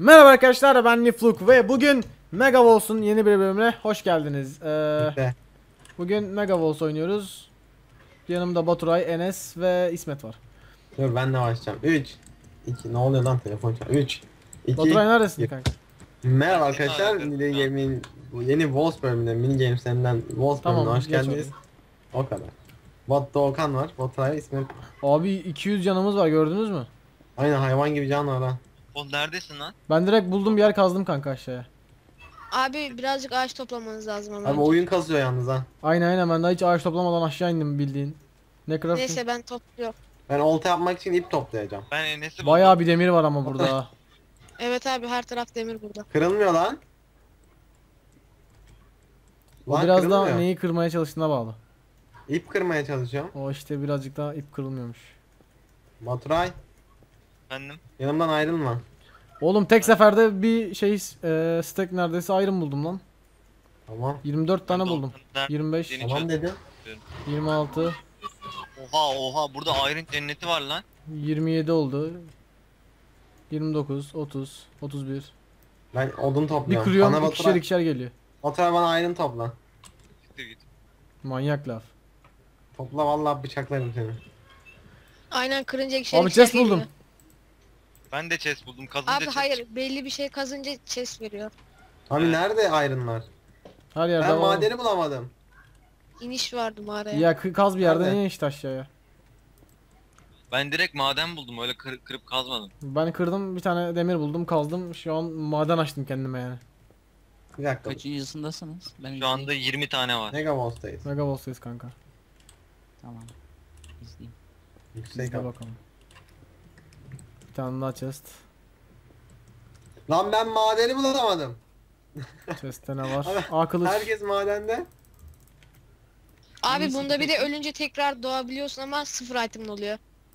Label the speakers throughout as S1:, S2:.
S1: Merhaba arkadaşlar, ben Nifluk ve bugün Megawalls'un yeni bir bölümüne hoş geldiniz. Bugün Megawalls oynuyoruz. Yanımda Baturay, Enes ve İsmet var.
S2: Dur ben de başlayacağım. 3 2 ne oluyor lan telefon çalıyor. 3
S1: Baturay
S2: 2
S1: neredesin
S2: 1.
S1: kanka?
S2: Merhaba
S3: Ben seni
S2: arkadaşlar.
S3: arıyorum
S2: Mini
S3: şu an.
S2: Game'in bu yeni Walls bölümünde Mini Games'lerinden Walls bölümüne
S1: Tamam,
S2: hoş
S1: geç
S2: geldiniz.
S1: orayı.
S2: O kadar. Bot Doğukan var. Baturay ismi.
S1: Abi 200 canımız var, gördünüz mü?
S2: Aynen hayvan gibi can var ha.
S3: Oğlum neredesin lan?
S1: Ben direkt buldum bir yer kazdım kanka aşağıya.
S4: Abi birazcık ağaç toplamanız lazım ama.
S2: Abi oyun kasıyor yalnız ha.
S1: Aynen ben daha hiç ağaç toplamadan aşağı indim bildiğin. Ne crafting?
S4: Neyse ben topluyorum.
S2: Ben olta yapmak için ip toplayacağım.
S3: Ben Enes'i
S1: Bayağı bir demir var ama burada.
S4: Evet abi her taraf demir burada.
S2: Kırılmıyor lan.
S1: O
S2: Lan
S1: biraz da
S2: kırılmıyor.
S1: neyi kırmaya çalıştığına bağlı.
S2: İp kırmaya çalışıyorum.
S1: O işte birazcık daha ip kırılmıyormuş.
S2: Baturay
S3: Efendim?
S2: yanımdan ayrılma.
S1: Oğlum tek seferde bir şey stack neredeyse iron buldum lan.
S2: Tamam.
S1: 24 tane buldum.
S3: Nerede?
S1: 25,
S3: Yeni
S2: Tamam
S3: çözdüm.
S2: dedim.
S1: 26,
S3: Oha burada Iron cenneti var lan.
S1: 27 oldu. 29, 30, 31.
S2: Ben odun
S1: Bir
S2: topluyorum.
S1: kırıyorum
S2: Bana
S1: ikişer
S2: Baturay,
S1: ikişer geliyor.
S2: Baturay bana iron topla.
S3: Siktir git.
S1: Manyak laf.
S2: Topla vallahi bıçaklarım seni.
S4: Aynen kırınca ikişer
S1: Abi
S4: ikişer
S1: chest buldum.
S4: geliyor.
S3: Ben de chest buldum. Kazınca
S4: Abi
S3: chest
S4: hayır
S3: çıktı.
S4: belli bir şey kazınca chest veriyor.
S2: Abi
S3: Evet.
S2: nerede ironlar?
S1: Her yerde
S2: Ben
S1: var.
S2: madeni bulamadım.
S4: İniş vardı mağaraya.
S1: Ya kaz bir yerde
S2: Nerede?
S1: niye işte aşağıya.
S3: Ben direkt maden buldum. Öyle kırıp kazmadım.
S1: Ben kırdım bir tane demir buldum kazdım. Şu an maden açtım kendime yani.
S2: Bir dakika.
S5: Kaçıncısındasınız? Ben
S3: Şu anda 20 tane var.
S2: Megawalls'tayız.
S1: Megawalls'tayız kanka.
S5: Tamam. İzleyeyim.
S2: Yüksek
S1: Biz de
S2: al.
S1: bakalım. Bir tane daha chest.
S2: Lan ben madeni bulamadım.
S1: Chest'te ne var?
S2: Abi,
S1: Aa kılıç.
S2: Herkes madende.
S4: Abi bunda bir de ölünce tekrar doğabiliyorsun ama sıfır item'ın oluyor.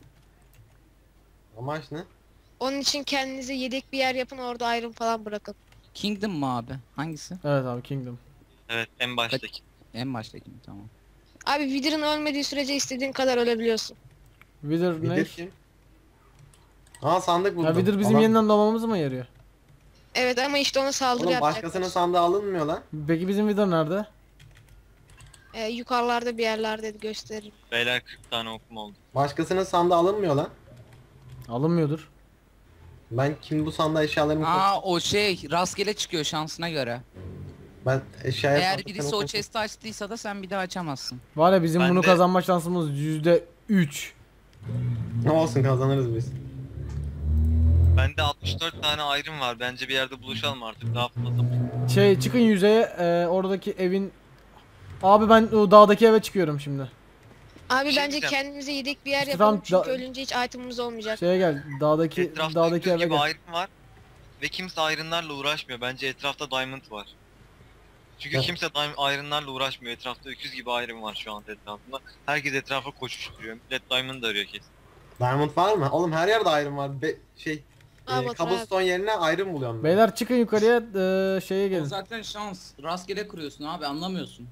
S2: Amaç ne?
S4: Onun için kendinize yedek bir yer yapın orada iron falan bırakın.
S5: Kingdom mu abi? Hangisi?
S1: Evet abi Kingdom.
S3: Evet en baştaki.
S5: En baştaki mi? Tamam.
S4: Abi Wither'ın ölmediği sürece istediğin kadar ölebiliyorsun.
S1: Wither ne?
S2: Vidir kim? Aa sandık buldum.
S1: Ya Wither bizim
S2: Adam-
S1: yeniden doğmamızı mı yarıyor?
S4: Evet ama işte ona saldırı
S2: Oğlum
S4: yapacaklar.
S2: başkasının sandığı alınmıyor lan.
S1: Peki bizim Wither nerede?
S4: Yukarılarda bir yerlerde gösteririm.
S3: Beyler 40 tane okum oldu.
S2: Başkasının sandığı alınmıyor lan.
S1: Alınmıyordur.
S2: Ben kim bu sandığa eşyalarımı koy-
S5: Aa o şey rastgele çıkıyor şansına göre.
S2: Ben eşyaya
S5: Eğer
S2: sandıktan
S5: birisi o
S2: okudum.
S5: chest'i açtıysa da sen bir daha açamazsın.
S1: Var ya bizim
S3: Ben
S1: bunu
S3: de-
S1: kazanma şansımız %3.
S2: Ne olsun kazanırız biz.
S3: Bende 64 tane iron var. Bence bir yerde buluşalım artık. Daha fazla.
S1: Şey çıkın yüzeye oradaki evin. Abi ben o dağdaki eve çıkıyorum şimdi.
S4: Abi
S3: Bir şey
S4: bence
S3: diyeceğim.
S4: kendimize yedek bir yer
S1: İşte
S4: yapalım
S1: tam
S4: çünkü ölünce hiç item'ımız olmayacak.
S1: Şeye gel dağdaki
S3: Etrafta
S1: dağdaki
S3: 100
S1: eve
S3: gibi
S1: gel.
S3: iron var. Ve kimse ironlarla uğraşmıyor. Bence etrafta diamond var. Çünkü
S2: Evet.
S3: kimse ironlarla uğraşmıyor. Etrafta öküz gibi iron var şu anda etrafında. Herkes etrafa koşuşturuyor. Millet diamond arıyor kesin.
S2: Diamond var mı? Oğlum her yerde iron var.
S4: Aa, Baturay abi.
S2: Cobblestone yerine iron buluyorum ben.
S1: Beyler çıkın yukarıya şeye
S5: O
S1: gelin.
S5: zaten şans. Rastgele kuruyorsun abi anlamıyorsun.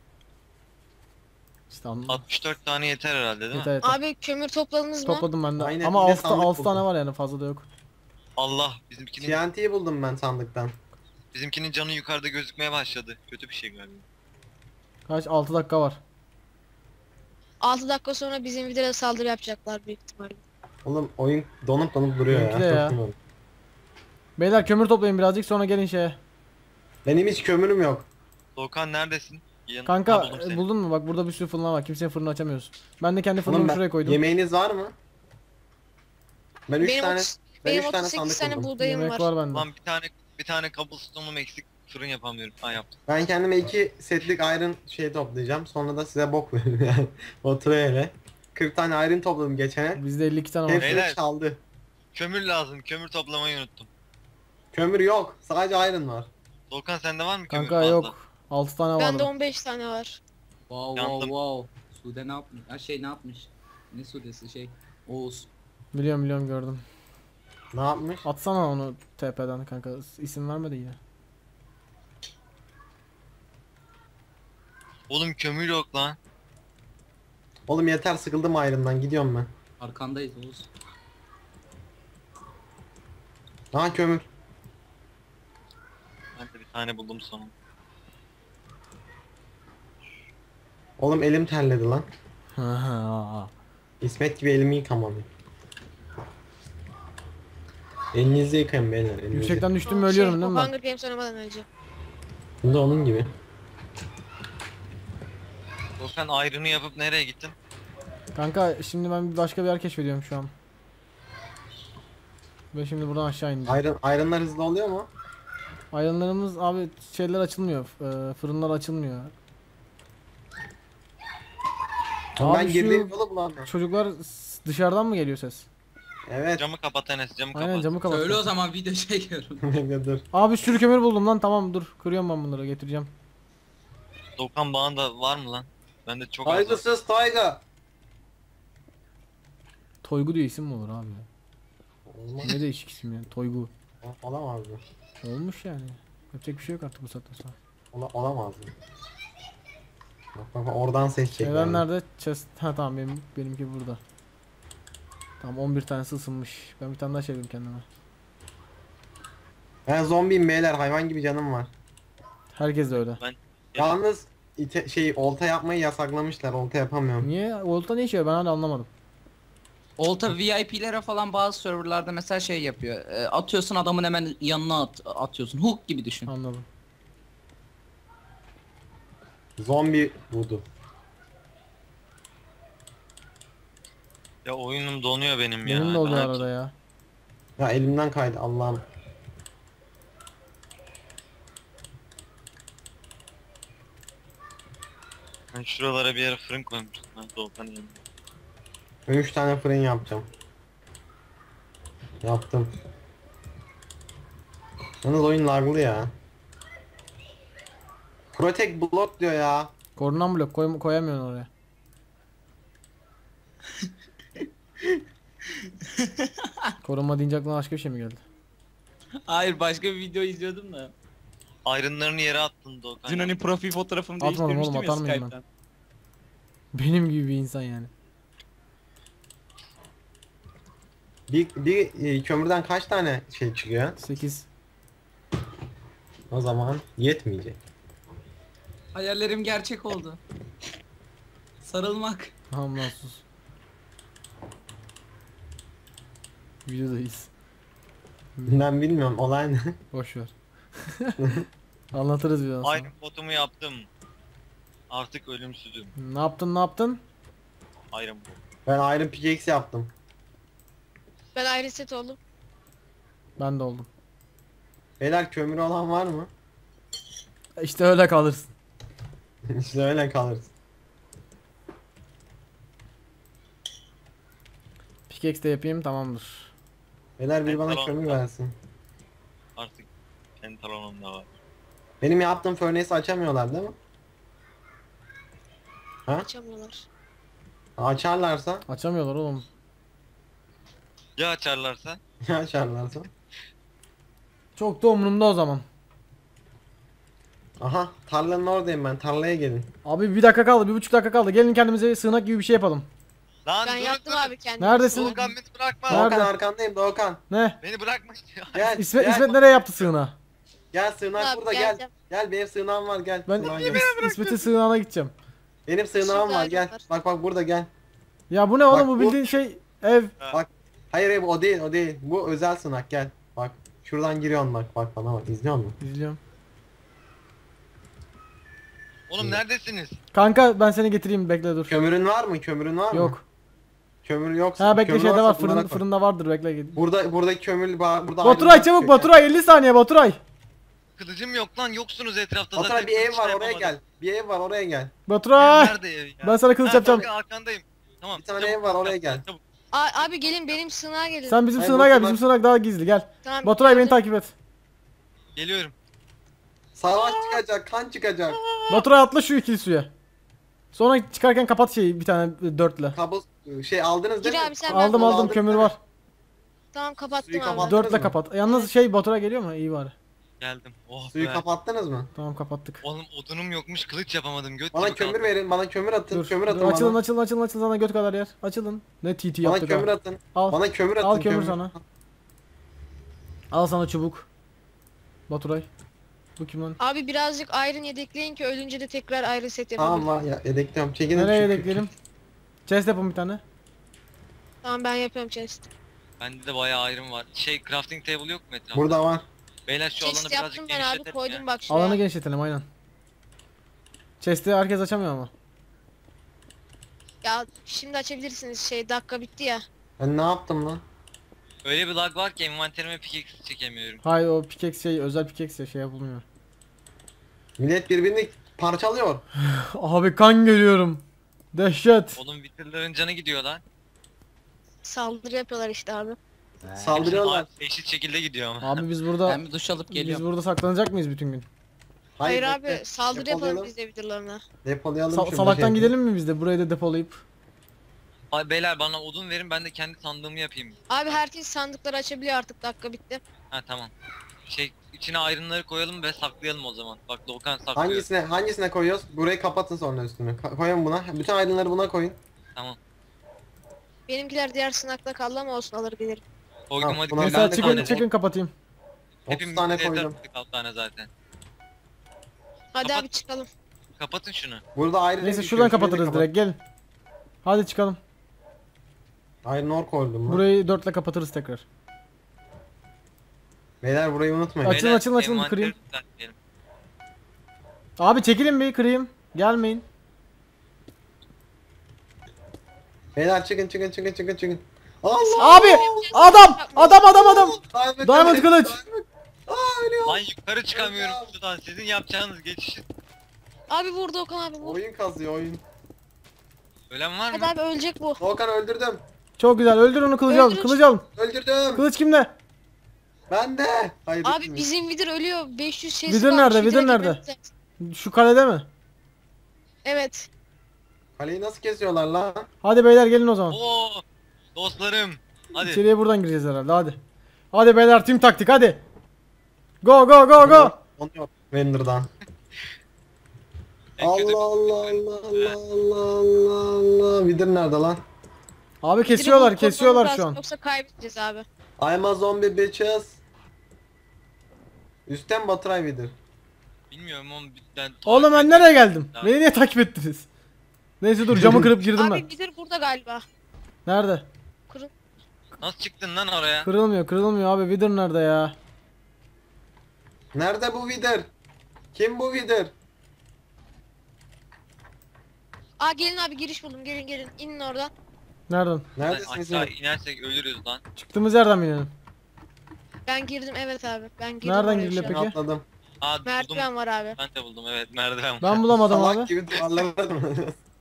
S1: İşte anladım.
S3: 64 tane yeter herhalde değil mi?
S1: Yeter yeter.
S4: Abi kömür topladınız mı?
S1: Topladım ben de.
S2: Aynen,
S1: Ama
S2: bir de
S1: 6
S2: sandık
S1: 6 tane
S2: buldum.
S1: var yani fazla da yok.
S3: Allah bizimkinin
S2: TNT'yi buldum ben sandıktan.
S3: canı yukarıda gözükmeye başladı. Kötü bir şey galiba.
S1: Kaç 6 dakika var.
S4: 6 dakika sonra bizim Wither'a saldırı yapacaklar büyük ihtimalle.
S2: Oğlum oyun donup duruyor
S1: Benimki de
S2: ya.
S1: ya.
S2: Çok sinirlendim.
S1: Beyler kömür toplayın birazcık sonra gelin şeye.
S2: Benim hiç kömürüm yok.
S3: Doğukan neredesin? Ha,
S1: Kanka
S3: buldum seni.
S1: buldun mu? Bak burada bir sürü fırın var. Kimsenin fırını açamıyorsun. Ben de kendi
S2: Oğlum
S1: fırınımı
S2: ben,
S1: şuraya koydum.
S2: yemeğiniz var mı? Ben 3
S4: Benim,
S2: tane
S4: 30,
S2: ben
S4: benim
S2: üç tane
S4: 38
S2: sandık
S4: tane
S2: buldum.
S4: buğdayım
S1: Yemek
S4: var.
S1: var bende.
S3: Lan bir tane cobblestone'um eksik fırın yapamıyorum. Ha yaptım.
S2: Ben kendime 2 setlik iron şey toplayacağım. Sonra da size bok veririm yani. Oturayla. 40 tane iron topladım geçene.
S1: Bizde 52 tane var.
S2: Hepsini
S3: Beyler.
S2: çaldı.
S3: Kömür lazım. Kömür toplamayı unuttum.
S2: Kömür yok. Sadece iron var.
S3: Doğukan sende var mı kömür
S1: Kanka
S3: fazla?
S1: yok. 6 tane
S4: Bende
S1: var.
S4: 15 tane var.
S5: Wow
S3: Yandım.
S5: wow wow. Sude ne yapmış? Ha şey ne yapmış? Ne Sude'si şey? Oğuz.
S1: Biliyorum gördüm.
S2: Ne yapmış?
S1: Atsana onu TP'den kanka. İsim vermedi yine.
S3: Oğlum kömür yok lan.
S2: Oğlum yeter sıkıldım iron'dan gidiyorum ben.
S5: Arkandayız Oğuz.
S2: Ha kömür.
S3: tane buldum sonunda.
S2: Oğlum elim terledi lan. İsmet gibi elimi yıkamadım. Elinizi yıkayın beyler. Elinizi.
S1: Yüksekten düştüm mü ölüyorum değil mi ben?
S4: Hunger Games oynamadan önce.
S2: Bu da onun gibi.
S3: Sen ayrını yapıp nereye gittin?
S1: Kanka şimdi ben başka bir yer keşfediyorum şu an. Ve şimdi buradan aşağı ineceğim.
S2: Iron'lar hızlı oluyor mu?
S1: Ayranlarımız abi şeyler açılmıyor. Fırınlar açılmıyor.
S2: Oğlum
S1: Abi
S2: ben
S1: şu
S2: girdiğim yolu bulamıyorum.
S1: çocuklar dışarıdan mı geliyor ses?
S2: Evet.
S3: Camı kapat Enes, camı kapat.
S1: Aynen camı kapat.
S5: Söyle o zaman video çekiyorum.
S2: Bekle dur.
S1: Abi bir sürü kömür buldum lan, tamam dur. Kırıyorum ben bunları, getireceğim.
S3: Doğukan bağında var mı lan? Bende çok az var.
S2: Saygısız Tayga.
S1: Toygu diye isim mi olur abi ya?
S2: Olmaz.
S1: Ne değişik isim yani, Toygu.
S2: Olamaz mı?
S1: Olmuş yani. Yapacak bir şey yok artık bu saatten sonra.
S2: Olamaz mı? Bak oradan seçecek.
S1: Neden nerede? Chest. Ha tamam, benimki burada. Tamam 11 tanesi ısınmış. Ben bir tane daha çevireyim kendime.
S2: Ben zombiyim beyler, hayvan gibi canım var.
S1: Herkes de öyle.
S2: Yalnız olta yapmayı yasaklamışlar. Olta yapamıyorum.
S1: Niye? Volta ne işe yarıyor? Ben hala anlamadım.
S5: Olta VIP'lere falan bazı serverlarda mesela şey yapıyor. Atıyorsun adamın hemen yanına atıyorsun. Hook gibi düşün.
S1: Anladım.
S2: Zombi budu.
S3: Ya oyunum donuyor benim ya.
S1: Benim de oluyor
S3: Ben-
S1: arada ya.
S2: Ya elimden kaydı Allah'ım.
S3: Ben şuralara bir yere fırın koymuştum ben Doğukan'ın yanına.
S2: 3 tane fırın yapacağım. Yaptım. Yalnız oyun laglı ya. Protect block diyor ya.
S1: Korunan blok koyamıyorsun oraya. Korunma deyince aklına başka bir şey mi geldi?
S5: Hayır, başka bir video izliyordum da.
S3: Ayrınlarını yere attın Doğukan.
S5: Dün hani profil fotoğrafımı
S1: Atmadım oğlum,
S5: değiştirmiştim ya
S1: atar mıyım ben?
S5: Skype'ten.
S1: Benim gibi bir insan yani.
S2: Bir kömürden kaç tane şey çıkıyor?
S1: 8.
S2: O zaman yetmeyecek.
S5: Hayallerim gerçek oldu. Sarılmak.
S1: Tamam lan sus. Videodayız.
S2: Ben bilmiyorum olay ne.
S1: Boş ver. Anlatırız biraz sonra.
S3: Iron botumu yaptım. Artık ölümsüzüm.
S1: Ne yaptın, ne yaptın?
S3: Iron bot.
S2: Ben Iron Pickaxe yaptım.
S4: Ben ayrı set oldum.
S1: Ben de oldum.
S2: Beyler kömürü olan var mı?
S1: İşte öyle kalırsın.
S2: İşte öyle kalırız.
S1: Pickaxe de yapayım, tamamdır.
S2: Beyler bir bana
S3: Tamam.
S2: kömür versin.
S3: Artık pantolonum da var.
S2: Benim yaptığım furnace'i açamıyorlar değil mi?
S4: Açamıyorlar.
S2: Açarlarsa,
S1: Açamıyorlar oğlum.
S3: Ya açarlarsa?
S2: ya açarlarsa.
S1: Çok da umurumda o zaman.
S2: Aha tarlanın oradayım ben, tarlaya gelin.
S1: Abi bir dakika kaldı, 1,5 dakika kaldı. Gelin kendimize sığınak gibi bir şey yapalım.
S3: Lan
S4: Ben
S3: dur,
S4: yaptım
S3: dur.
S4: abi kendim.
S1: Neredesin?
S3: Doğukan beni bırakma.
S1: Nerede?
S2: Doğukan arkandayım Doğukan.
S1: Ne?
S3: Beni bırakma.
S2: Gel,
S1: İsmet,
S2: gel,
S1: İsmet nereye yaptı sığınağı?
S2: gel sığınak
S4: Abi,
S2: burada gel.
S4: geleceğim.
S2: Gel benim sığınağım var gel.
S1: Ben
S2: Sığınağa gel.
S1: İsmet'in sığınağına gideceğim.
S2: Benim sığınağım
S4: Şurada
S2: var gel.
S4: var.
S2: Bak burada gel.
S1: Ya bu ne oğlum,
S2: Bak
S1: bu
S2: bu-
S1: bildiğin şey ev.
S2: Hayır o değil o değil. Bu özel sığınak gel. Bak şuradan giriyorsun bak bana bak izliyor musun?
S1: İzliyorum.
S3: Oğlum neredesiniz?
S1: Kanka ben seni getireyim, bekle dur.
S2: Kömürün var mı? Kömürün var mı?
S1: Yok.
S2: Kömür yoksa.
S1: Ha bekle,
S2: kömür
S1: şeyde
S2: varsa
S1: var,
S2: bunlara koy.
S1: fırında vardır, bekle git.
S2: Buradaki kömür burada.
S1: Baturay
S2: ayrı
S1: çabuk,
S2: bir
S1: Baturay 50 saniye Baturay.
S3: Kılıcım yok lan, yoksunuz etrafta
S2: Baturay
S3: zaten.
S2: bir ev
S3: kılıç
S2: var
S3: da
S2: oraya
S3: yapamadım.
S2: gel. Bir ev var oraya gel.
S1: Baturay.
S3: Nerede ev ya?
S1: Ben sana kılıç
S3: Ha,
S1: yapacağım.
S3: Doğukan, arkandayım. Tamam.
S2: Bir tane
S3: çabuk,
S2: ev var, oraya
S3: çabuk,
S2: gel.
S3: çabuk.
S4: Abi gelin benim sığınağa gelin.
S1: Sen bizim
S2: Hayır,
S1: sığınağa gel,
S2: Baturay.
S1: bizim sığınak daha gizli, gel.
S4: Tamam,
S1: Baturay beni
S4: geleceğim.
S1: takip et.
S3: Geliyorum.
S2: Savaş çıkacak, kan çıkacak.
S1: Baturay atla şu ikili suya. Sonra çıkarken kapat şeyi bir tane dörtle.
S2: Kabus aldınız değil
S4: Gir
S2: mi?
S4: abi sen,
S1: Aldım
S4: ben-
S1: aldım, kömür var.
S4: Tamam kapattım
S2: Suyu
S4: abi.
S2: kapat.
S1: Dörtle
S2: mı?
S1: kapat. Yalnız şey Baturay geliyor mu? İyi bari.
S3: Geldim. Oh
S2: Suyu
S3: be.
S2: kapattınız mı?
S1: Tamam kapattık.
S3: Oğlum odunum yokmuş, kılıç yapamadım. Göt
S2: Bana
S3: gibi
S2: kömür
S3: kaldım.
S2: verin, bana kömür atın,
S1: Dur,
S2: kömür atın
S1: dur, açılın
S2: bana.
S1: açılın sana göt kadar yer. Açılın. Ne TT
S2: Bana
S1: yaptık
S2: kömür
S1: ha.
S2: atın.
S1: Al.
S2: Bana kömür atın.
S1: Al kömür sana. Al sana çubuk. Baturay. Bu kim lan?
S4: Abi birazcık iron yedekleyin ki ölünce de tekrar iron set
S2: Tamam
S4: yapalım.
S2: var ya yedekliyorum. Çekinin
S1: Nereye
S2: şu-
S1: yedekleyelim? Chest yapın bir tane.
S4: Tamam ben yapıyorum chest.
S3: Bende de bayağı iron var. Şey crafting table yok mu etrafta?
S2: Burada var.
S3: Beyler şu alanı
S4: Chest
S3: birazcık
S4: yaptım ben abi
S3: genişletelim
S4: koydum
S3: ya.
S4: bak şuraya.
S1: Alanı genişletelim aynen. Chest'i herkes açamıyor ama.
S4: Ya şimdi açabilirsiniz dakika bitti ya.
S2: Ben ne yaptım lan?
S3: Öyle bir lag var ki envanterime pickaxe çekemiyorum.
S1: Hayır o pickaxe özel pickaxe şey yapılmıyor.
S2: Millet birbirini parçalıyor.
S1: Abi kan görüyorum. Dehşet.
S3: Oğlum Wither'ların canı gidiyor lan.
S4: Saldırı yapıyorlar işte abi.
S2: Saldırıyorlar.
S3: Eşit şekilde gidiyor ama.
S1: Abi biz burada
S5: Ben bir duş alıp
S1: biz
S5: geliyorum.
S1: burada saklanacak mıyız bütün gün?
S4: Hayır,
S2: bekle.
S4: abi saldırı yapalım
S2: Depolayalım.
S4: biz de videolarına.
S2: Depolayalım şurada
S1: Salaktan
S2: şey.
S1: gidelim mi biz de burayı da depolayıp?
S3: Ay beyler bana odun verin ben de kendi sandığımı yapayım.
S4: Abi herkes sandıkları açabiliyor artık dakika bitti.
S3: Ha tamam. Şey içine ayrımları koyalım ve saklayalım o zaman. Bak Doğukan saklıyor.
S2: Hangisine koyuyoruz? Burayı kapatın sonra üstünü. Koyun buna. Bütün aydınları buna koyun.
S3: Tamam.
S4: Benimkiler diğer sınakta kaldı ama olsun alır gelirim.
S3: Koydum
S2: Tamam,
S3: hadi.
S2: buna
S3: koyun.
S2: ben
S1: Mesela
S2: de
S1: çıkın
S2: koydum.
S1: çıkın kapatayım.
S2: 30
S3: Hepimiz
S2: tane
S3: yeter
S2: koydum.
S3: artık 6 tane zaten.
S4: Hadi
S3: Kapat.
S4: abi çıkalım.
S3: Kapatın şunu.
S2: Burada ayrı
S1: Neyse
S2: renk
S1: şuradan
S2: düşüyor, şurayı da
S1: kapatırız
S2: kapat.
S1: direkt gelin. Hadi çıkalım.
S2: Iron ore koydum lan.
S1: Burayı 4'le kapatırız tekrar.
S2: Beyler burayı unutmayın.
S1: Açın,
S3: Beyler,
S1: açın,
S3: envanteri
S1: kırayım.
S3: düzeltelim.
S1: Abi çekilin bir kırayım. Gelmeyin.
S2: Beyler çıkın. Allah!
S1: Abi adam. Diamond kılıç.
S2: Aa ölüyor.
S3: Lan yukarı çıkamıyorum şuradan. Sizin yapacağınız geçişi.
S4: Abi vur Doğukan abi vur.
S2: Oyun kazıyor oyun.
S3: Ölen var
S4: Hadi
S3: mı?
S4: abi ölecek bu.
S2: Volkan öldürdüm.
S1: Çok güzel öldür onu kılıcı alın.
S4: Öldürün.
S1: Kılıcı alın.
S2: Öldürdüm.
S1: Kılıç kimde?
S2: Ben de. Hayır.
S4: Abi
S2: bitmiyor.
S4: bizim vidir ölüyor. 500 şey
S1: Vidir nerede, vidir nerede? Şu kalede mi?
S4: Evet.
S2: Kaleyi nasıl kesiyorlar lan?
S1: Hadi beyler gelin o zaman.
S3: Oo dostlarım. Hadi.
S1: İçeriye buradan gireceğiz herhalde hadi. Hadi beyler team taktik hadi. Go go go go.
S2: Onu yok. Render'dan.
S3: En kötü-
S2: Allah. Vidir nerede lan?
S1: Abi
S4: Vidiri
S1: kesiyorlar
S4: bulup
S1: kesiyorlar
S4: korkmamız
S1: şu an.
S4: lazım, yoksa kaybedeceğiz abi.
S2: I'm a zombie bitches. Üstten Baturay Vidir.
S3: Bilmiyorum oğlum. Ben
S1: Oğlum ben nereye geldim? Beni niye takip ettiniz? Neyse dur camı kırıp girdim
S4: Abi
S1: ben.
S4: vidir burada galiba.
S1: Nerede?
S3: Nasıl çıktın lan oraya?
S1: Kırılmıyor abi. Wither nerede ya?
S2: Nerede bu Vidir? Kim bu Vidir?
S4: Aa gelin abi giriş buldum gelin inin oradan.
S1: Nereden?
S2: Neredesiniz?
S3: Aşağı inersek ölürüz lan.
S1: Çıktığımız yerden mi inelim?
S4: Ben girdim evet abi ben girdim
S1: Nereden
S4: oraya
S1: giriliyor
S4: şu an.
S1: peki?
S2: Atladım.
S3: Aa buldum.
S4: Merdiven var abi.
S3: Ben de buldum evet merdiven var.
S1: Ben bulamadım
S2: Salak
S1: abi.
S2: gibi duvarlamadım.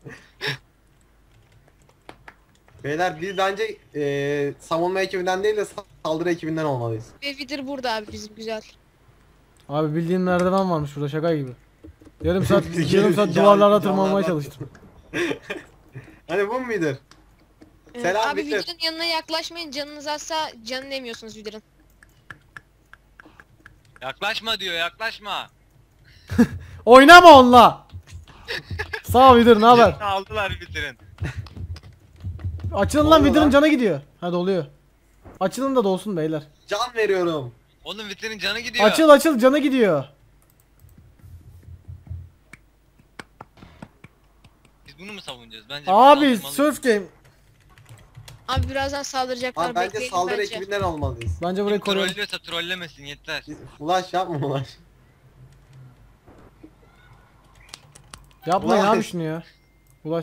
S2: Beyler biz bence savunma ekibinden değil de saldırı ekibinden olmalıyız.
S4: Ve vidir burada abi bizim güzel.
S1: Abi bildiğin merdiven varmış burada şaka gibi. Yarım saat
S2: Ya,
S1: duvarlara tırmanmaya çalıştım.
S2: Hani bu mu Vidir? Selam
S4: Abi
S2: Vidir.
S4: vidirin yanına yaklaşmayın canınız azsa canını emiyorsunuz vidirin.
S3: Yaklaşma diyor yaklaşma.
S1: Oynama onunla. Sağ ol Wither ne haber?
S3: Canını aldılar bitirin.
S1: Açılın
S2: Ne
S1: lan
S2: oluyor
S1: Wither'ın
S2: lan?
S1: canı gidiyor. Ha doluyor. Açılın da dolsun beyler.
S2: Can veriyorum.
S3: Oğlum bitirin canı gidiyor.
S1: Açıl canı gidiyor.
S3: Biz bunu mu savunacağız? Bence
S1: Abi
S3: biz saldırmalıyız.
S1: surf game.
S4: Abi birazdan saldıracaklar
S2: Abi bence
S4: bekleyin
S2: saldırı
S4: bence.
S2: ekibinden olmalıyız.
S1: Bence burayı
S3: Kim
S1: koruyalım.
S3: trollüyorsa trollemesin yeter.
S2: Ulaş yapma Ulaş.
S1: Yapmayın
S2: Ulaş.
S1: abi şunu ya. Ulaş.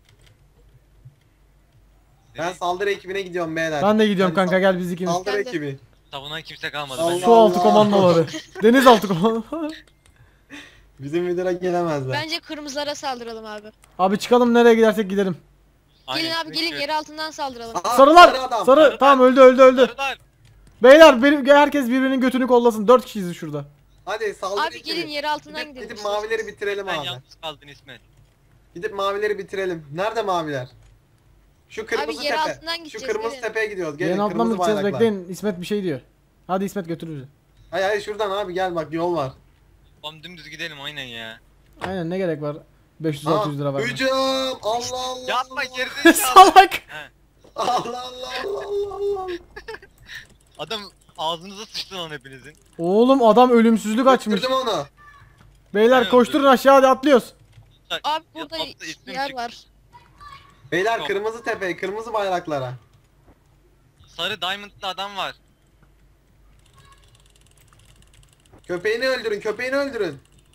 S2: Ben saldırı ekibine gidiyorum beyler.
S1: Ben de gidiyorum
S2: Hadi
S1: kanka gel biz ikimiz.
S2: Saldırı
S4: Ben de.
S2: ekibi.
S3: Savunan kimse kalmadı.
S2: Allah
S3: bence.
S1: Su altı
S2: Allah.
S1: komandoları. Deniz altı komandoları.
S2: Bizim Vidir'e gelemezler.
S4: Bence kırmızılara saldıralım abi.
S1: Abi çıkalım nereye gidersek gidelim.
S3: Aynen,
S4: Gelin abi gelin
S3: çünkü-
S4: yer altından saldıralım.
S2: Aa,
S1: Sarılar.
S2: sarı adam.
S1: Sarı.
S3: Sarılar.
S1: Tamam öldü.
S3: Sarılar.
S1: Beyler herkes birbirinin götünü kollasın. 4 kişiyiz şurada.
S2: Hadi saldırı
S4: Abi
S2: ekibi.
S4: gelin yer altından
S2: Gidip,
S4: gidelim.
S2: gidip mavileri bitirelim
S3: Sen
S2: abi.
S3: yalnız kaldın İsmet.
S2: Gidip mavileri bitirelim. Nerede maviler? Şu kırmızı
S4: Abi yer
S2: tepe.
S4: altından
S2: Şu
S4: gideceğiz,
S2: kırmızı
S4: gelin.
S2: tepeye gidiyoruz. Gelin
S1: Yerin altından mı
S2: kırmızı
S1: gideceğiz
S2: bayraklar.
S1: bekleyin. İsmet bir şey diyor. Hadi İsmet götür bizi.
S2: Hayır şuradan abi gel bak yol var.
S3: Oğlum dümdüz gidelim aynen ya.
S1: Aynen ne gerek var 500-600 lira vermeye.
S2: Hücum! Allah Allah!
S3: Yapma
S2: Allah.
S3: gerizekalı.
S1: Salak.
S2: Allah Allah Allah Allah Allah!
S3: Adam ağzınıza sıçtı lan hepinizin.
S1: Oğlum adam ölümsüzlük açmış.
S2: Götürdüm onu.
S1: Beyler
S3: Aynen,
S1: koşturun aşağı, hadi atlıyoruz.
S4: Abi burada
S3: Altta ismim
S4: yer
S3: çıktı.
S4: var.
S2: Beyler
S3: Yok.
S2: kırmızı tepe, kırmızı bayraklara.
S3: Sarı diamondlı adam var.
S2: Köpeğini öldürün, köpeğini öldürün.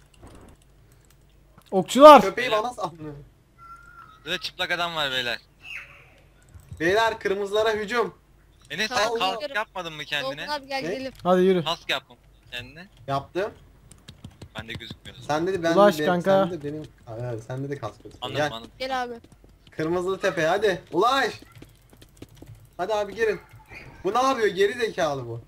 S1: Okçular.
S2: Köpeği bana saldırın.
S3: Burada çıplak adam var beyler.
S2: Beyler kırmızılara hücum.
S3: Enes
S4: Tamam,
S3: sen kask
S4: geliyorum.
S3: yapmadın mı kendine?
S4: Doğukan abi gel
S2: Ne?
S4: gidelim.
S1: Hadi yürü.
S3: Kask yapma kendine.
S2: Yaptım.
S3: Bende gözükmüyor.
S2: Sen dedi ben
S1: Ulaş
S2: de,
S1: kanka.
S2: Sen de benim evet, sende de kask yok.
S3: Anladım
S2: Gel.
S3: anladım.
S4: Gel abi.
S2: Kırmızılı tepe hadi. Ulaş. Hadi abi girin. Bu ne yapıyor? Geri zekalı bu.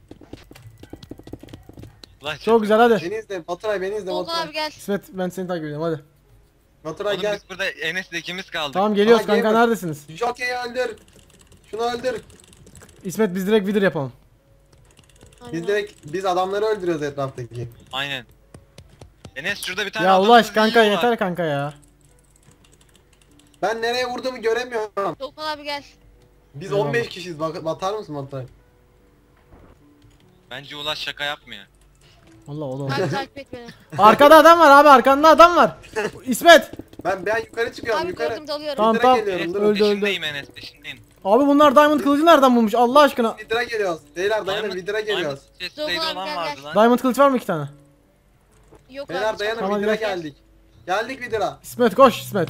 S3: Ulan
S1: Çok güzel, hadi.
S2: Beni izle Baturay, beni izle
S4: Doğukan
S2: Baturay.
S4: abi gel.
S1: İsmet ben seni takip ediyorum, hadi.
S2: Baturay
S3: Oğlum
S2: gel.
S3: biz burada Enes'le ikimiz kaldık.
S1: Tamam geliyoruz
S2: Aa,
S1: kanka,
S2: gamer.
S1: neredesiniz?
S2: Jockey'i öldür. Şunu öldür.
S1: İsmet biz direkt vidir yapalım.
S4: Aynen.
S2: Biz adamları öldürüyoruz etraftaki.
S3: Aynen. Enes şurada bir tane
S1: Ya
S3: adamı
S1: Ulaş kanka
S3: yiyorlar.
S1: yeter kanka ya.
S2: Ben nereye vurduğumu göremiyorum.
S4: Doğukan abi gel.
S2: Biz
S1: Eyvallah.
S2: 15 kişiyiz. Batar mısın Baturay?
S3: Bence Ulaş şaka yapmıyor.
S1: Allah o da
S4: Abi takip et beni.
S1: Arkada adam var abi, arkanda adam var. İsmet.
S2: Ben yukarı çıkıyorum
S4: Abi
S2: yukarı.
S4: gördüm dalıyorum.
S1: Tamam,
S2: Vidira
S1: tamam.
S2: geliyorum
S3: Enes
S2: durun.
S1: Öldü, öldü.
S3: peşindeyim Enes peşindeyim.
S1: Abi bunlar Diamond kılıcı nereden bulmuş Allah aşkına?
S2: Vidira geliyoruz. Beyler dayanın Vidira geliyoruz.
S3: Chestplate'i
S4: Doğukan abi,
S3: olan
S4: gel,
S3: vardı
S4: gel.
S3: lan.
S1: Diamond kılıç var mı 2 tane?
S4: Yok
S2: Beyler
S4: abi.
S2: dayanın
S1: Tamam,
S2: Vidira
S1: gel.
S2: geldik. Geldik Vidira.
S1: İsmet koş İsmet.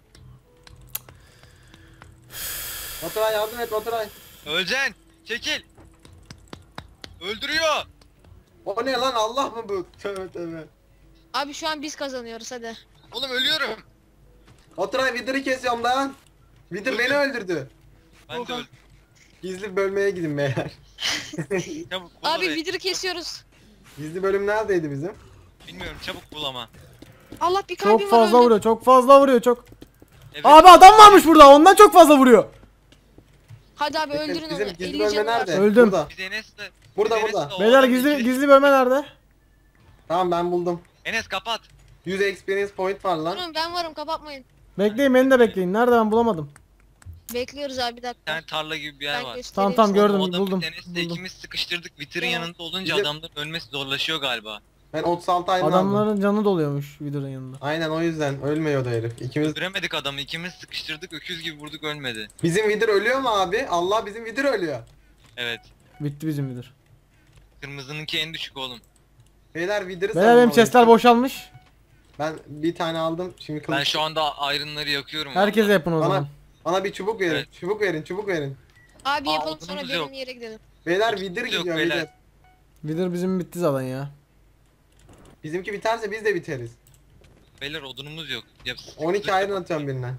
S2: Baturay yardım et Baturay.
S3: Öleceksin. Çekil. Öldürüyor.
S2: O ne lan Allah mı bu? Tövbe tövbe.
S4: Abi şu an biz kazanıyoruz hadi.
S3: Oğlum ölüyorum.
S2: Baturay Vidir'i kesiyorum lan. Vidir beni öldürdü.
S3: Ben de
S4: Oha.
S3: öldüm.
S2: Gizli bölmeye gidin beyler.
S3: Çabuk bul
S4: Abi
S3: orayı.
S4: vidiri kesiyoruz.
S2: Gizli bölüm neredeydi bizim?
S3: Bilmiyorum çabuk bul ama.
S4: Allah bir kalbim
S1: Çok
S4: var
S1: fazla
S4: öldüm.
S1: vuruyor, çok fazla vuruyor, çok.
S3: Evet.
S1: Abi adam varmış burada, ondan çok fazla vuruyor.
S4: Hadi abi öldürün
S2: Bizim
S4: onu.
S2: gizli
S4: 50
S2: bölme
S4: canı var.
S2: nerede?
S1: Öldüm.
S2: Burada.
S3: Biz Enes'le...
S2: Burada,
S3: biz Enes'le
S2: burada.
S3: o
S1: Beyler
S3: adamı
S1: gizli
S3: ikili-
S1: gizli bölme nerede?
S2: Tamam ben buldum.
S3: Enes kapat.
S2: 100 experience point var lan.
S4: Durun ben varım kapatmayın.
S1: Bekleyin, beni de bekleyin. Nerede, ben bulamadım.
S4: Bekliyoruz abi bir
S3: Bir
S4: dakika.
S3: tane tarla gibi bir yer
S4: Ben
S3: var.
S4: göstereyim
S1: Tamam,
S4: sana.
S1: gördüm.
S3: O adamı
S1: buldum,
S3: Enes'le
S1: buldum.
S3: ikimiz sıkıştırdık. Vitrin
S4: Tamam.
S3: yanında olunca
S2: Bizim-
S3: adamların ölmesi zorlaşıyor galiba.
S2: Ben 36 ayrı aldım.
S1: Adamların canı doluyormuş videonun yanında.
S2: Aynen o yüzden ölmüyordu herif. İkimiz.
S3: Göremedik adamı. İkimiz sıkıştırdık. Öküz gibi vurduk ölmedi.
S2: Bizim Vidir ölüyor mu abi? Allah bizim Vidir ölüyor.
S3: Evet.
S1: Bitti bizim vidir.
S3: Kırmızınınki en düşük oğlum.
S2: Beyler Vidir'i
S1: Beyler benim
S2: savunmalıyız.
S1: chestler boşalmış.
S2: Ben bir tane aldım. Şimdi kılıç.
S3: Ben şu anda ayrınları yakıyorum.
S1: Herkese
S3: vallahi.
S1: yapın o
S2: Bana,
S1: zaman.
S2: bana bir çubuk verin.
S3: Evet.
S2: Çubuk verin, çubuk verin.
S4: Abi
S3: Aa,
S4: yapalım sonra
S3: odunumuz
S4: benim
S3: yok.
S4: yere gidelim.
S2: Beyler
S3: Yok,
S2: Vidir
S3: yok
S2: gidiyor
S3: beyler.
S2: Vidir.
S1: Vidir bizim bitti zaten ya.
S2: Bizimki biterse biz de biteriz.
S3: Beyler odunumuz yok. Ya,
S2: 12 ayrın atıyorum birine.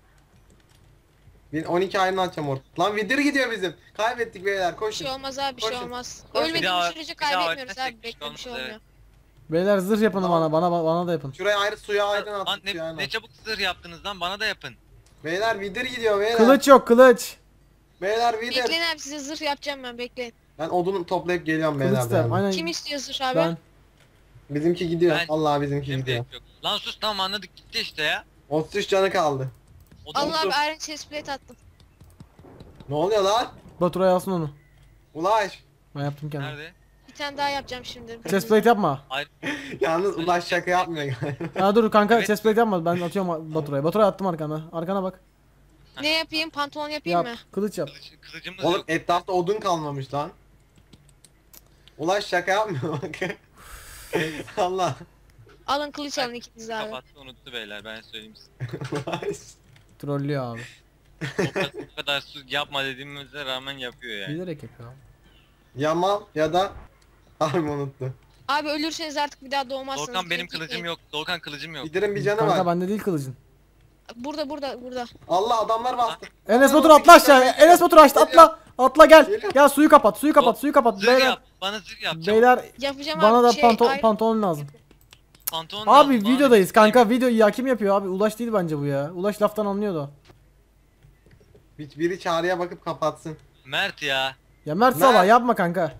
S2: 12 ayrın atacağım orta. Lan Vidir gidiyor bizim. Kaybettik beyler
S4: Bir
S2: koşun.
S4: şey olmaz abi bir şey
S2: Koşun.
S4: olmaz.
S2: Koşun.
S3: Bir
S4: Ölmediğimiz
S3: daha-
S4: sürece
S3: bir daha
S4: kaybetmiyoruz
S3: ölmezsek
S4: abi.
S3: bir şey
S4: Bekle bir şey
S3: olmaz,
S4: olmuyor.
S1: Beyler zırh yapın bana da yapın.
S2: Şuraya ayrı suya ayrın
S3: Lan
S2: attık ya.
S3: ne çabuk zırh yaptınız lan bana da yapın.
S2: Beyler Vidir gidiyor beyler.
S1: Kılıç yok, kılıç.
S2: Beyler Vidir.
S4: Bekleyin abi size zırh yapacağım ben bekleyin.
S2: Ben odunu toplayıp geliyorum
S1: Kılıç
S2: beyler.
S1: da.
S2: beraber.
S1: Aynen.
S4: Kim istiyor zırh abi?
S1: Ben.
S2: Bizimki gidiyor.
S3: Ben-
S2: Allah bizimki
S3: Benim
S2: gidiyor.
S3: gerek yok. Lan sus tamam anladık gitti işte ya.
S2: 33 canı kaldı.
S3: Odun
S4: Allah abi Iron chestplate attım.
S2: Ne oluyor lan?
S1: Baturay alsın onu.
S2: Ulaş.
S1: Ben yaptım kendim.
S3: nerede?
S4: Bir tane daha yapacağım şimdi.
S1: Chestplate yapma.
S2: Yalnız Ulaş şaka yapmıyor galiba.
S1: Ha dur kanka,
S3: Evet.
S1: chestplate yapma. Ben atıyorum Baturay'a. Baturay'a attım arkana. Arkana bak.
S4: Ne yapayım? Pantolon yapayım
S1: Yap.
S4: mı?
S1: Kılıç yap.
S3: Kılıcımız
S2: Oğlum
S3: yok.
S2: etrafta odun kalmamış lan. Ulaş şaka yapmıyor bak. Allah.
S4: Alın kılıç alın ikiniz abi.
S3: Kapattı unuttu beyler ben söyleyeyim size.
S2: Ulaş.
S1: Trollüyor abi.
S3: O kadar su yapma dediğimize rağmen yapıyor yani.
S1: Bilerek yapıyor abi.
S2: Yamal ya da harbi unuttu.
S4: Abi ölürseniz artık bir daha doğmazsınız.
S3: Doğukan benim
S4: Gitmeyin.
S3: kılıcım yok. Doğukan kılıcım yok.
S2: Vidir'in bir canı
S1: Kanka
S2: var.
S1: bende değil kılıcın.
S4: Burada.
S2: Allah adamlar bastı.
S1: Enes Batur atla aşağı. Enes Batur açtı, atla. Atla gel.
S2: Geliyor.
S1: Gel suyu kapat, suyu kapat, suyu kapat.
S3: Zırh
S1: Beyler.
S3: yap. Bana zırh yap. Çabuk.
S1: Beyler
S4: Yapacağım
S1: bana
S4: abi.
S1: da
S4: Iron-
S1: pantolon lazım.
S3: Pantolon
S1: Abi
S3: lazım,
S1: videodayız kanka. Video ya kim yapıyor abi? Ulaş değil bence bu ya. Ulaş laftan anlıyordu.
S2: Biri çağrıya bakıp kapatsın.
S3: Mert ya.
S1: Ya Mert
S2: Mert.
S1: Salah yapma kanka.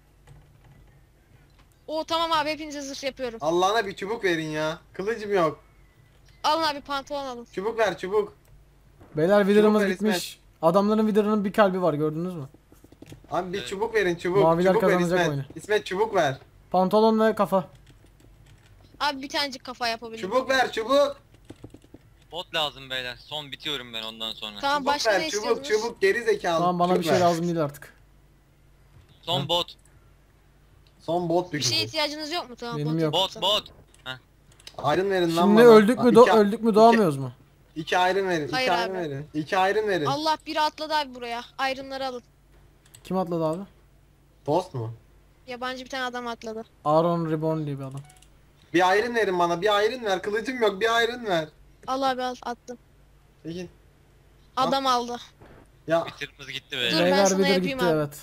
S4: Oo tamam abi hepinize zırh yapıyorum.
S2: Allah'ına bir çubuk verin ya. Kılıcım yok.
S4: Alın abi pantolon alın.
S2: Çubuk ver çubuk.
S1: Beyler videomuz
S2: ver
S1: bitmiş. Adamların videonun bir kalbi var, gördünüz mü?
S2: Abi bir
S3: Evet.
S2: çubuk verin çubuk.
S1: Maviler
S2: çubuk ver
S1: kazanacak
S2: İsmet.
S1: oyunu.
S2: İsmet çubuk ver.
S1: Pantolon ve kafa.
S4: Abi bir tanecik kafa yapabilirim.
S2: Çubuk ver çubuk.
S3: Bot lazım beyler. Son bitiyorum ben ondan sonra.
S4: Tamam
S2: Çubuk
S4: başka
S2: ver
S4: ne
S2: çubuk
S4: istiyordunuz?
S2: çubuk geri zekalı.
S1: Tamam bana bir
S2: çubuk
S1: şey
S2: ver.
S1: lazım değil artık.
S3: Son bot.
S2: Son bot
S4: Bir şeye
S2: düşecek.
S4: ihtiyacınız yok mu? Tamam.
S1: Benim
S4: bot
S1: yok.
S3: Bot
S4: yapsam.
S3: bot.
S2: Iron verin lan
S1: Şimdi
S2: bana.
S1: öldük mü
S2: İki-
S1: öldük mü doğamıyoruz mu?
S2: İki iron verin.
S4: Hayır
S2: iki
S4: abi.
S2: iron verin. İki iron verin.
S4: Allah biri atladı abi buraya. Ayrımları alın.
S1: Kim atladı abi?
S2: Dost mu?
S4: Yabancı bir tane adam atladı.
S1: Aaron Reborn diye bir adam.
S2: Bir iron verin bana. Bir iron ver. Kılıcım yok. Bir iron ver.
S4: Al abi al attım.
S2: Peki.
S4: Adam aldı.
S2: Ya
S3: Bitirimiz gitti
S4: Dur,
S3: beyler.
S4: ben
S1: Beyler
S4: sana
S1: bilir
S4: yapayım
S1: gitti
S4: abi.
S1: evet.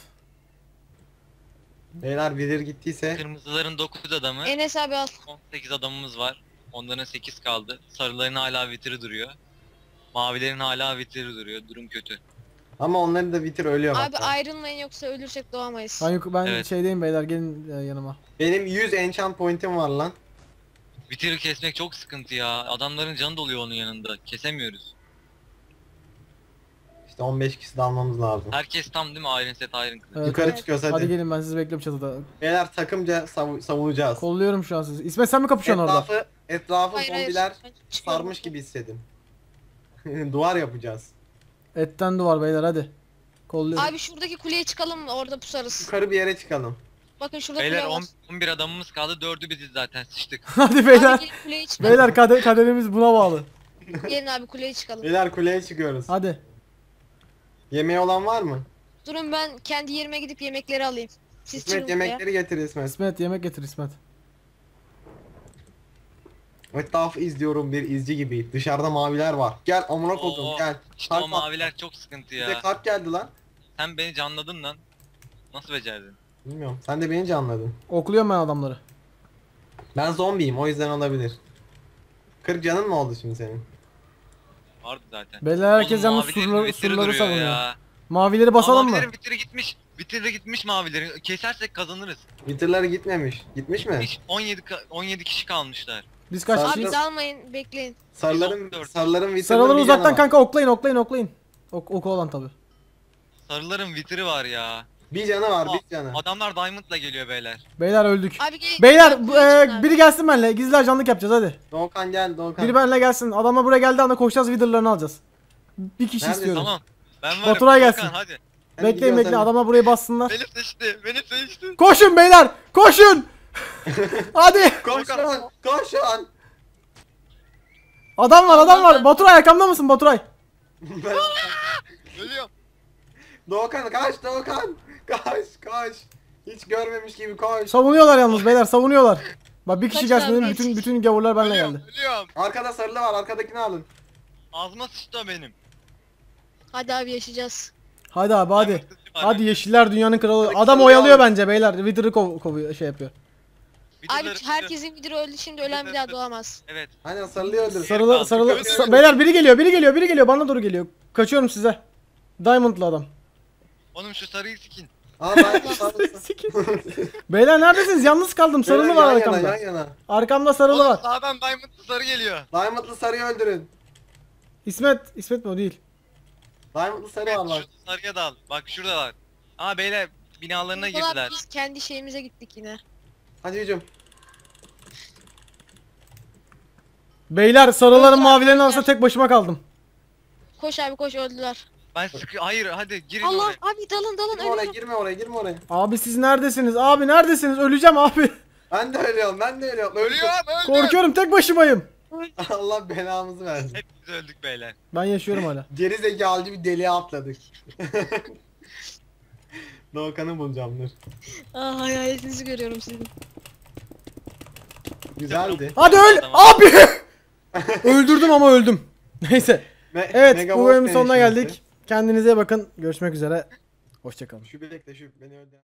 S2: beyler bilir gittiyse.
S3: Kırmızıların 9 adamı.
S4: Enes abi al.
S3: 18 adamımız var. Onların 8 kaldı. Sarıların hala vitri duruyor. Mavilerin hala vitri duruyor. Durum kötü.
S2: Ama onların da bitir ölüyor bak.
S4: Abi ayrılmayın yoksa ölürsek doğamayız.
S1: Ben
S3: Evet.
S1: şeydeyim beyler gelin yanıma.
S2: Benim 100 enchant point'im var lan.
S3: Vitri kesmek çok sıkıntı ya. Adamların canı doluyor onun yanında. Kesemiyoruz.
S2: İşte 15 kişi de almamız lazım.
S3: Herkes tam değil mi? Iron set Iron kılıç.
S1: Evet,
S2: Yukarı
S1: evet.
S2: çıkıyoruz
S1: Hadi
S2: hadi.
S1: gelin ben sizi bekliyorum çatıda.
S2: Beyler takımca savunacağız.
S1: Kolluyorum şu an sizi. İsmet sen mi kapışıyorsun orada?
S2: Etrafı
S4: Hayır, hayır.
S2: zombiler
S4: Ben çıkıyorum.
S2: sarmış gibi hissedin. Duvar yapacağız.
S1: Etten duvar beyler hadi. Kolluyorum.
S4: Abi şuradaki kuleye çıkalım mı? Orada pusarız.
S2: Yukarı bir yere çıkalım.
S4: Bakın şurada
S3: Beyler
S4: kule var.
S3: 11 adamımız kaldı. 4'ü biziz zaten. Sıçtık.
S1: Hadi beyler.
S4: Abi gelin kuleye çıkalım.
S1: Beyler kaderimiz buna bağlı.
S4: Gelin abi kuleye çıkalım.
S2: Beyler kuleye çıkıyoruz.
S1: Hadi.
S2: Yemeği olan var mı?
S4: Durun ben kendi yerime gidip yemekleri alayım. Siz çıkın
S2: İsmet
S4: kuleye.
S2: yemekleri getir İsmet.
S1: İsmet yemek getir İsmet.
S2: Etrafı izliyorum bir izci gibi. Dışarıda maviler var. Gel amına koydum
S3: Oo,
S2: gel.
S3: İşte o
S2: Kalk,
S3: maviler çok sıkıntı
S2: Bize
S3: ya.
S2: kalp geldi lan.
S3: Sen beni canladın lan. Nasıl becerdin?
S2: Bilmiyorum. Sen de beni canladın.
S1: Okluyorum ben adamları.
S2: Ben zombiyim o yüzden olabilir. 40 canın mı oldu şimdi senin?
S3: Vardı zaten.
S1: Beyler herkes
S3: Oğlum,
S1: yalnız
S3: mavilerin vitri
S1: surları
S3: duruyor
S1: savunuyor.
S3: ya.
S1: Mavileri basalım mı?
S3: Mavilerin vitri gitmiş. Vitri de gitmiş mavilerin. Kesersek kazanırız.
S2: Bitirler gitmemiş. Gitmiş mi?
S3: Hiç 17 kişi kalmışlar.
S1: Biz kaç
S2: Abi,
S4: Abi
S1: kişiyiz?
S4: dalmayın bekleyin.
S2: Sarıların
S3: Biz
S2: sarıların vitirleri
S1: Sarıları
S2: bir
S1: uzaktan
S2: canı var.
S1: kanka oklayın. Oku olan tabi.
S3: Sarıların vitri var ya.
S2: Bir canı var
S3: Aa,
S2: bir canı.
S3: Adamlar Diamond'la geliyor beyler.
S1: Beyler öldük.
S4: Abi gelin.
S1: Beyler
S4: kuleye çıkın abi.
S1: biri gelsin benimle. Gizli ajanlık yapacağız hadi.
S2: Doğukan gel Doğukan.
S1: Biri benimle gelsin. Adamlar buraya geldiği anda koşacağız Wither'larını alacağız. Bir kişi
S2: Neredesin?
S1: istiyorum.
S3: Tamam. Ben varım.
S1: Baturay
S3: Volkan,
S1: gelsin.
S3: hadi.
S2: Hadi
S1: Bekleyin
S2: gidiyoruz
S1: bekleyin
S2: hadi.
S1: adamlar buraya bassınlar.
S3: Beni seçti. Beni seçti.
S1: Koşun beyler koşun. Hadi.
S2: Koş lan koş lan.
S1: Adam var. Baturay arkamda mısın Baturay?
S2: Ben-
S3: Ölüyorum.
S2: Doğukan kaç Doğukan. Kaç. Hiç görmemiş gibi koş.
S1: Savunuyorlar yalnız beyler savunuyorlar. Bak bir kişi
S4: Kaç
S1: gelsin
S4: abi,
S1: dedim
S4: kaç?
S1: bütün gavurlar benimle
S3: Ölüyorum.
S1: geldi.
S3: Ölüyorum.
S2: Arkada sarılı var arkadakini alın.
S3: Ağzıma sıçtı o benim.
S4: Hadi abi yaşayacağız.
S1: Hadi abi hadi.
S3: Diamond kılıcı var.
S1: Hadi yeşiller dünyanın kralı.
S2: Hadi
S1: Adam
S2: sarılı
S1: oyalıyor
S2: al.
S1: bence beyler. Wither'ı kovuyor şey yapıyor.
S4: Abi
S3: Vidirleri-
S4: herkesin biri öldü şimdi ölen bir daha doğamaz.
S3: Evet.
S2: Aynen sarılıyı öldür.
S1: Beyler biri geliyor bana doğru geliyor. Kaçıyorum size. Diamond'lı adam.
S3: Oğlum şu sarıyı sikin.
S2: Aa ben sarısı.
S1: Beyler neredesiniz? Yalnız kaldım. Sarılı
S2: Beyler,
S1: var
S2: yan
S1: arkamda.
S2: Yana, yan yana.
S1: Arkamda sarılı
S3: Oğlum
S1: var.
S3: sağdan Diamond'lı sarı geliyor.
S2: Diamond'lı sarıyı öldürün.
S1: İsmet mi o değil.
S2: Diamond'lı sarı
S3: Evet,
S2: var bak.
S3: şu sarıya dal. Bak şuradalar. Aa beyler binalarına
S4: Ulan
S3: girdiler.
S4: biz kendi şeyimize gittik yine.
S2: Hadi hücum.
S1: Beyler sarıların
S4: Öldüler,
S1: mavilerin
S4: öldüler.
S1: arasında tek başıma kaldım.
S4: Koş abi koş öldüler.
S3: Ben hayır hadi girin
S4: Allah
S3: oraya.
S4: abi dalın
S2: Girme oraya
S4: ölüyorum.
S2: girme oraya.
S1: Abi siz neredesiniz? Abi neredesiniz? Öleceğim abi.
S2: Ben de ölüyorum.
S3: Ölüyorum öldüm.
S1: Korkuyorum tek başımayım.
S2: Allah belamızı versin.
S3: Hepimiz öldük beyler.
S1: Ben yaşıyorum hala.
S2: Geri zekalı bir deliğe atladık. Doğukan'ı bulacağım dur.
S4: Aa hayaletinizi görüyorum sizin.
S2: Güzeldi.
S1: Hadi öl abi. Öldürdüm ama öldüm. Neyse. Evet
S2: Mega
S1: bu
S2: Wolf
S1: bölümün sonuna
S2: deneyişimizi.
S1: geldik. Kendinize iyi bakın. Görüşmek üzere. Hoşçakalın.
S2: Şu bilekle şu beni öldü.